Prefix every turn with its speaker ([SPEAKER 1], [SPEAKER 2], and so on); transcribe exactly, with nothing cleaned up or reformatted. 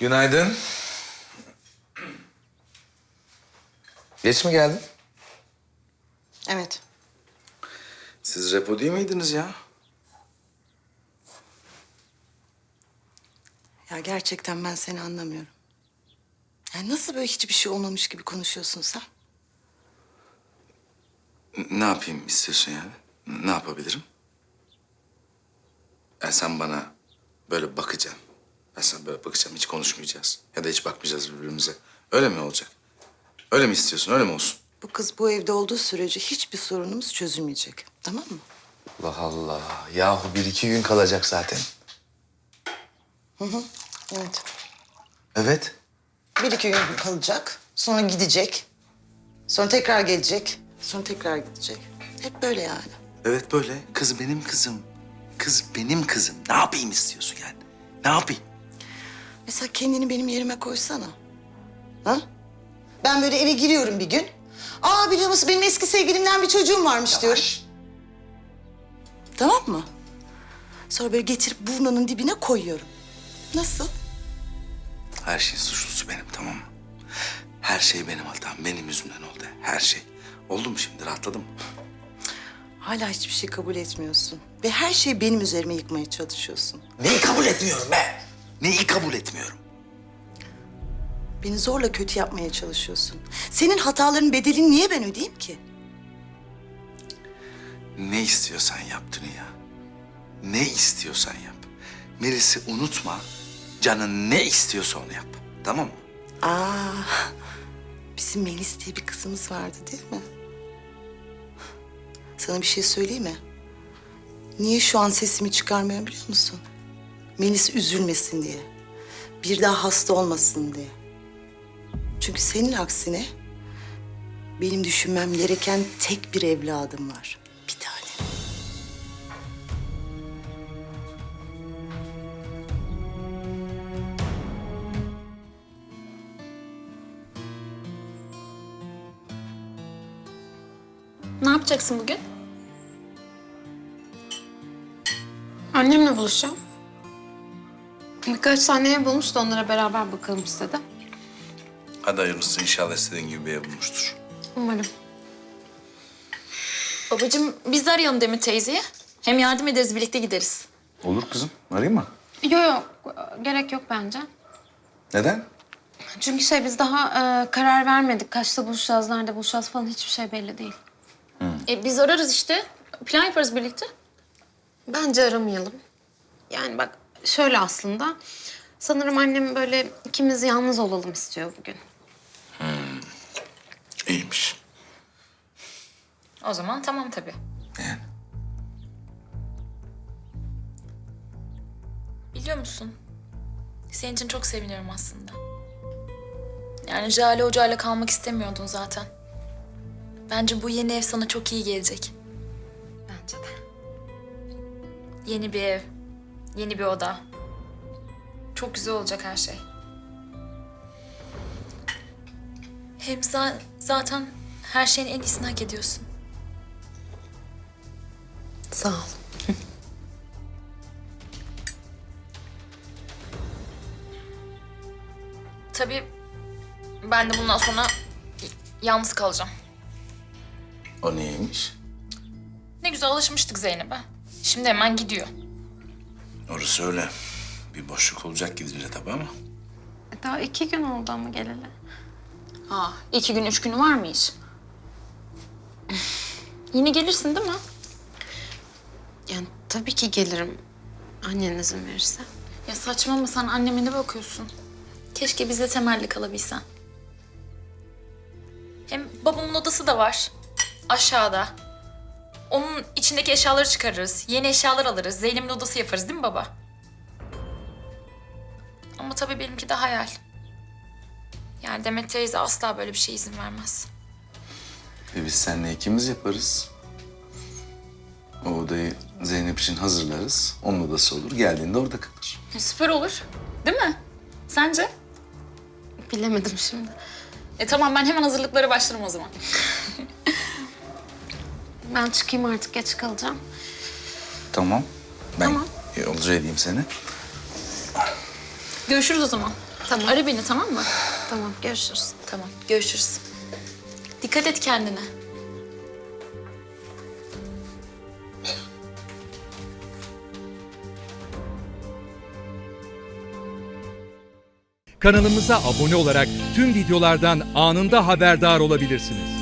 [SPEAKER 1] Günaydın. Geç mi geldin?
[SPEAKER 2] Evet.
[SPEAKER 1] Siz repo değil miydiniz ya?
[SPEAKER 2] Ya gerçekten ben seni anlamıyorum. Ya nasıl böyle hiçbir şey olmamış gibi konuşuyorsun sen?
[SPEAKER 1] N- Ne yapayım istiyorsun yani? N- Ne yapabilirim? Ya sen bana böyle bakacaksın. Ben sana böyle bakacağım, hiç konuşmayacağız. Ya da hiç bakmayacağız birbirimize. Öyle mi olacak? Öyle mi istiyorsun, öyle mi olsun?
[SPEAKER 2] Bu kız bu evde olduğu sürece hiçbir sorunumuz çözülmeyecek. Tamam mı?
[SPEAKER 1] Allah Allah. Yahu bir iki gün kalacak zaten.
[SPEAKER 2] Evet.
[SPEAKER 1] Evet.
[SPEAKER 2] Bir iki gün kalacak. Sonra gidecek. Sonra tekrar gelecek. Sonra tekrar gidecek. Hep böyle yani.
[SPEAKER 1] Evet böyle. Kız benim kızım. Kız benim kızım. Ne yapayım istiyorsun yani? Ne yapayım?
[SPEAKER 2] Mesela kendini benim yerime koysana. Ha? Ben böyle eve giriyorum bir gün. Aa biliyor musun benim eski sevgilimden bir çocuğum varmış diyorum. Tamam mı? Sonra böyle getirip burnunun dibine koyuyorum. Nasıl?
[SPEAKER 1] Her şeyin suçlusu benim, tamam mı? Her şey benim hatam, benim yüzümden oldu. Her şey. Oldu mu şimdi, rahatladın mı?
[SPEAKER 2] Hala hiçbir şey kabul etmiyorsun. Ve her şeyi benim üzerime yıkmaya çalışıyorsun.
[SPEAKER 1] Neyi kabul etmiyorum be? Neyi kabul etmiyorum?
[SPEAKER 2] Beni zorla kötü yapmaya çalışıyorsun. Senin hataların bedelini niye ben ödeyeyim ki?
[SPEAKER 1] Ne istiyorsan yap Dünya. Ne istiyorsan yap. Melis'i unutma. Canın ne istiyorsa onu yap. Tamam mı?
[SPEAKER 2] Aa, bizim Melis diye bir kızımız vardı değil mi? Sana bir şey söyleyeyim mi? Niye şu an sesimi çıkarmıyorum biliyor musun? Melis üzülmesin diye. Bir daha hasta olmasın diye. Çünkü senin aksine benim düşünmem gereken tek bir evladım var. Bir tane.
[SPEAKER 3] Ne yapacaksın bugün? Annemle buluşacağım. Birkaç tane ev bulmuş da onlara beraber bakalım istedim.
[SPEAKER 1] Hadi hayırlısı, inşallah istediğin gibi bir ev bulmuştur.
[SPEAKER 3] Umarım. Babacığım biz de arayalım Demir teyzeyi. Hem yardım ederiz, birlikte gideriz.
[SPEAKER 1] Olur kızım. Arayayım mı?
[SPEAKER 3] Yok yok, gerek yok bence.
[SPEAKER 1] Neden?
[SPEAKER 3] Çünkü şey biz daha e, karar vermedik. Kaçta buluşacağız, nerede buluşacağız falan hiçbir şey belli değil. E, biz ararız işte. Plan yaparız birlikte. Bence aramayalım. Yani bak şöyle aslında. Sanırım annem böyle ikimiz yalnız olalım istiyor bugün.
[SPEAKER 1] İyiymiş.
[SPEAKER 3] O zaman tamam tabii.
[SPEAKER 1] Yani.
[SPEAKER 4] Biliyor musun? Senin için çok seviniyorum aslında. Yani Jale Hoca'yla kalmak istemiyordun zaten. Bence bu yeni ev sana çok iyi gelecek.
[SPEAKER 3] Bence de.
[SPEAKER 4] Yeni bir ev, yeni bir oda. Çok güzel olacak her şey. Hem za- zaten her şeyin en iyisini hak ediyorsun.
[SPEAKER 3] Sağ ol.
[SPEAKER 4] Tabii ben de bundan sonra y- yalnız kalacağım.
[SPEAKER 1] O neymiş?
[SPEAKER 4] Ne güzel alışmıştık Zeynep'e. Şimdi hemen gidiyor.
[SPEAKER 1] Orası öyle. Bir boşluk olacak gidince tabii ama.
[SPEAKER 3] E, Daha iki gün oldu ama geleli.
[SPEAKER 4] Ha, iki gün, üç günü var mı hiç? Yine gelirsin değil mi?
[SPEAKER 3] Yani tabii ki gelirim. Annen izin verirse.
[SPEAKER 4] Ya saçmalama, sen anneme ne bakıyorsun? Keşke bizle temelli kalabilsen. Hem babamın odası da var. Aşağıda. Onun içindeki eşyaları çıkarırız. Yeni eşyalar alırız. Zeynep'in odası yaparız değil mi baba? Ama tabii benimki de hayal. Yani Demet teyze asla böyle bir şeye izin vermez.
[SPEAKER 1] E biz seninle ikimiz yaparız. O odayı Zeynep için hazırlarız. Onun odası olur. Geldiğinde orada kalır.
[SPEAKER 4] E, süper olur. Değil mi? Sence?
[SPEAKER 3] Bilemedim şimdi.
[SPEAKER 4] E tamam, ben hemen hazırlıklara başlarım o zaman.
[SPEAKER 3] Ben çıkayım artık, geç kalacağım.
[SPEAKER 1] Tamam. Ben
[SPEAKER 4] Tamam.
[SPEAKER 1] yolcu edeyim seni.
[SPEAKER 4] Görüşürüz o zaman.
[SPEAKER 3] Tamam.
[SPEAKER 4] Ara beni, tamam mı?
[SPEAKER 3] Tamam, görüşürüz.
[SPEAKER 4] Tamam, görüşürüz. Dikkat et kendine.
[SPEAKER 5] Kanalımıza abone olarak tüm videolardan anında haberdar olabilirsiniz.